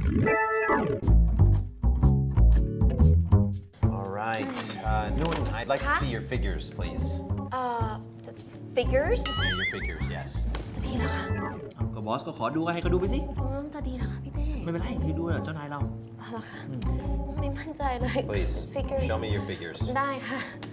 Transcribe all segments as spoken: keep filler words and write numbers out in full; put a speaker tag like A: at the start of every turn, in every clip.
A: All right. Uh, Noon, I'd like to see your figures, please.
B: Uh, figures
A: Yeah, your figures, yes.
B: จะดีเหรอคะ
C: ก็บอสก็ขอดูให้เขาดูไปสิ
B: อืมจะดีเหรอคะพี่เต้
C: ไม่เป็นไรคือดูเจ้านายเรา
B: อ๋อเหรอคะไม่มั่นใจเลย
A: Please,
B: figures
A: show me your figures.
B: ได้ค่ะ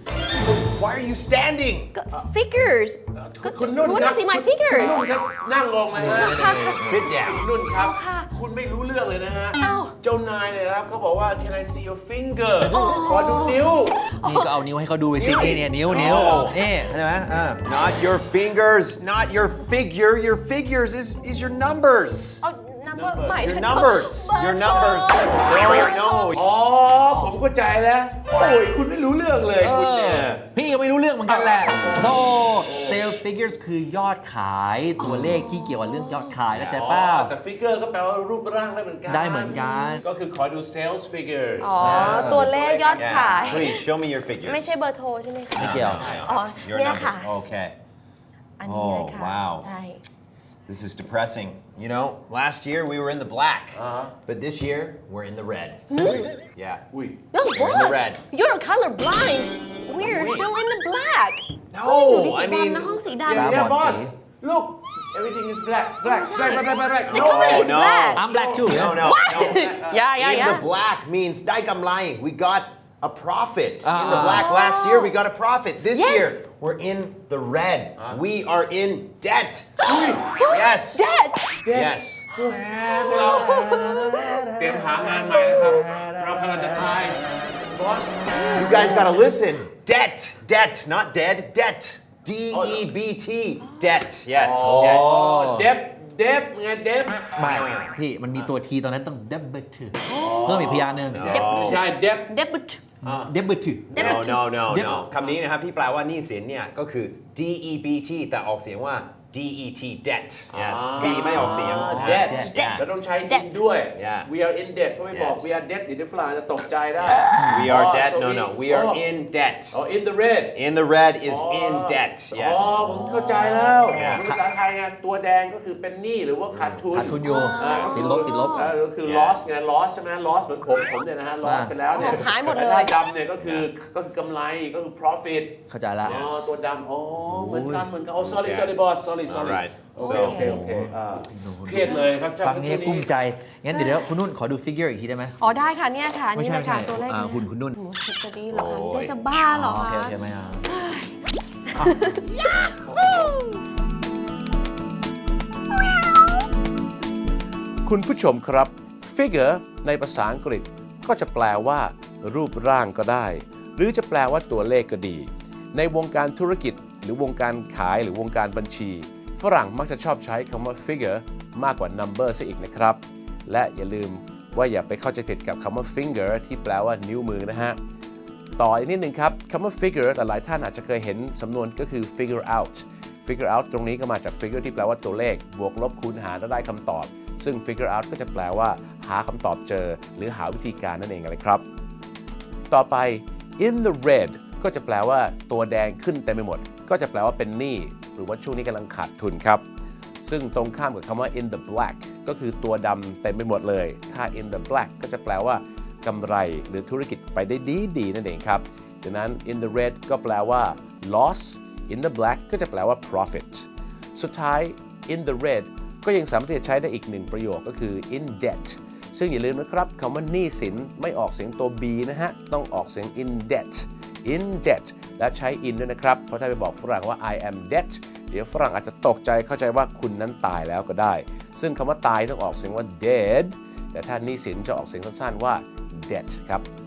A: Why are you standing?
B: ก็ figures ก็
D: คุณนุ่น
B: รู้
D: ครั
B: นะสิ my figures
D: คุณนุ่นครับนั่งลงเลยฮะ
A: Sit down.
D: นุ่นครับ
B: ค่ะ
D: คุณไม่รู้เรื่องเลยนะฮะ
B: เอ้า
D: เจ้านายเนี่ยครับเขาบอกว่า can I see your finger ขอดูนิ้ว
C: นี่ก็เอานิ้วให้เขาดูไปสินี่เนี่ยนิ้วนิ้วนี่เข้าใจไหมอ่า
A: Not your fingers, not your figure. Your figures is, is your numbers.
B: เอา number หมายถึ
A: Your
B: ง
A: numbers. Your numbers. No, no.
D: อ๋อ ผมเข้าใจแล้ว โอ้ย คุณไม่รู้เรื่องเลยคุณเนี่ย
C: พี่ก็ไม่รู้เรื่องเหมือนกันแหละโธ่ sales figures คือยอดขายตัวเลขที่เกี่ยวกับเรื่องยอดขายเข้าใจเปล่า
D: แต่ figure ก็แปลว่ารูปร่างได้เหมือนกัน
C: ได้เหมือนกัน
D: ก็คือขอดู sales figures
B: อ๋อ ตัวเลขยอดขาย
A: Yeah. Please show me your figures.
B: ไม่ใช่เบอร์โทรใช่ไหมคะ
C: ไม่เกี่ยว
B: อ๋อ
A: Your
B: เนี่ย
A: number.
B: ค่ะ
A: Okay.
B: อันนี้เลยค่ะ
A: Oh, wow.
B: ใช่
A: This is depressing. You know, last year we were in the black,
D: Uh-huh.
A: but this year we're in the red. Yeah.
D: อุ้ย
B: No,
A: You're in the
B: boss,
A: red.
B: you're color blind. We're still in the black.
A: No,
B: ก็ยังอยู่ในสี
A: I mean-
B: ดำนะห้องสี
D: Yeah,
B: ดำ
D: yeah,
C: บอด
D: boss.
C: สี
D: Look, everything is black, black, black, black, black, black.
B: The
D: No,
B: color is
A: no.
B: black.
C: I'm black too
A: No, no, no.
B: Yeah, yeah,
A: In
B: yeah.
A: the black means ได้กำไร. We got a profit. In the
C: Ah.
A: black last year we got a profit. This
B: Yes.
A: year we're in the red. We are in debt. Yes.
B: Dead.
A: Yes.
D: เราเตรียมหางานใหม่นะครับ เรากำลังจะตาย boss.
A: You guys gotta listen. Debt. Debt. Not dead. Debt. D E B T. Debt. Yes. Debt.
D: เดฟเดฟไงเดฟ
C: ไม่พี่มันมีตัวทีตอนนั้นต้อง double เพิ่มอีกพยางค์หนึ่ง
D: ใช่เดฟ
B: Debut.
C: double
A: No, no, no,
C: Debt.
A: no. คำนี้นะครับที่แปลว่าหนี้สินเนี่ยก็คือ D E B T แต่ออกเสียงว่า D E T debt. Yes. B ไม่ออกเสียง
D: debt
A: Yeah.
D: จะต้องใช้
B: Debt
D: in ด้วย
A: Yeah.
D: we are in debt ก็ไม่บอก
A: Yes.
D: we are debt เดี๋ยวฝรั่งจะตกใจได้
A: We are
D: Oh,
A: debt.
D: so
A: No,
D: we-
A: no. We are
D: oh.
A: in debt.
D: oh in the red
A: In the red is in debt.
D: อ๋
A: Yes.
D: อผมเข้าใจแล้ว
A: Yeah.
D: ภาษาไทยไงตัวแดงก็คือเป็นหนี้หรือว่าขาดทุน
C: ขาดทุนอยู่
D: อ่า
C: ติดลบติดลบ
D: อ่าก็คือ
A: Yeah.
D: loss ไง loss ใช่ไหม loss เหมือนผมผมเนี่ยนะฮะ loss ไปแล้วเนี่ย
B: หายหมดเลย
D: แต่ถ้าดำเนี่ยก็คือก็คือกำไรก็คือ profit
C: เข้าใจละ
D: อ๋อตัวดำอ๋อเหมือนกันเหมือนกันอ๋อ sorry sorry boss sorry sorry
A: Alright.
D: โอเค
A: So-
D: โอเคโอเคอ่าเครียดเลยครับ
C: ฟังนี้กุ้มใจ งั้นเดี๋ยวคุณนุ่นขอดู figure อีกทีได้ไหม
B: อ๋อได้ค่ะเนี่ยค่ะ
C: ไม่
B: นี่
C: ใช่
B: เลยค่ะ
C: ไม่ใช่
B: ตัวเลข
C: อ่า
B: เนี่ย
C: หุ่นคุณนุ่น
B: โอ้โหจะดีเหรอคะ
A: โอ้ย
B: พี่จะบ้าเหรอ
C: โอ
B: คะ
C: เคโอเคไม่เอา
D: คุณผู้ชมครับ figure ในภาษาอังกฤษก็จะแปลว่า รูปร่างก็ได้ หรือจะแปลว่าตัวเลขก็ดี ในวงการธุรกิจหรือวงการขายหรือวงการบัญชี ฝรั่งมักจะชอบใช้คำว่า figure มากกว่า number ซะอีกนะครับ และอย่าลืมว่าอย่าไปเข้าใจผิดกับคำว่า finger ที่แปลว่านิ้วมือนะฮะ ต่ออีกนิดนึงครับคำว่า figure หลายๆท่านอาจจะเคยเห็นสำนวนก็คือ figure out figure out ตรงนี้ก็มาจาก figure ที่แปลว่าตัวเลข บวกลบคูณหารแล้วได้คำตอบ ซึ่ง figure out ก็จะแปลว่าหาคำตอบเจอ หรือหาวิธีการนั่นเองเลยครับ ต่อไป in the red ก็จะแปลว่าตัวแดงขึ้นเต็มไปหมด ก็จะแปลว่าเป็นหนี้หรือว่าช่วงนี้กำลังขาดทุนครับ ซึ่งตรงข้ามกับคำว่า in the black ก็คือตัวดำเต็มไปหมดเลย ถ้า in the black ก็จะแปลว่ากำไรหรือธุรกิจไปได้ดีดีนั่นเองครับดังนั้น in the red ก็แปลว่า loss in the black ก็จะแปลว่า profit สุดท้าย in the red ก็ยังสามารถที่จะใช้ได้อีกหนึ่งประโยคก็คือ in debt ซึ่งอย่าลืมนะครับคำว่าหนี้สินไม่ออกเสียงตัว b นะฮะต้องออกเสียง in debt in debt และใช้ in ด้วยนะครับเพราะถ้าไปบอกฝรั่งว่า I am debt เดี๋ยวฝรั่งอาจจะตกใจเข้าใจว่าคุณนั้นตายแล้วก็ได้ซึ่งคำว่าตายต้องออกเสียงว่า dead แต่ถ้าหนี้สินจะออกเสียงสั้นๆว่า debt ครับ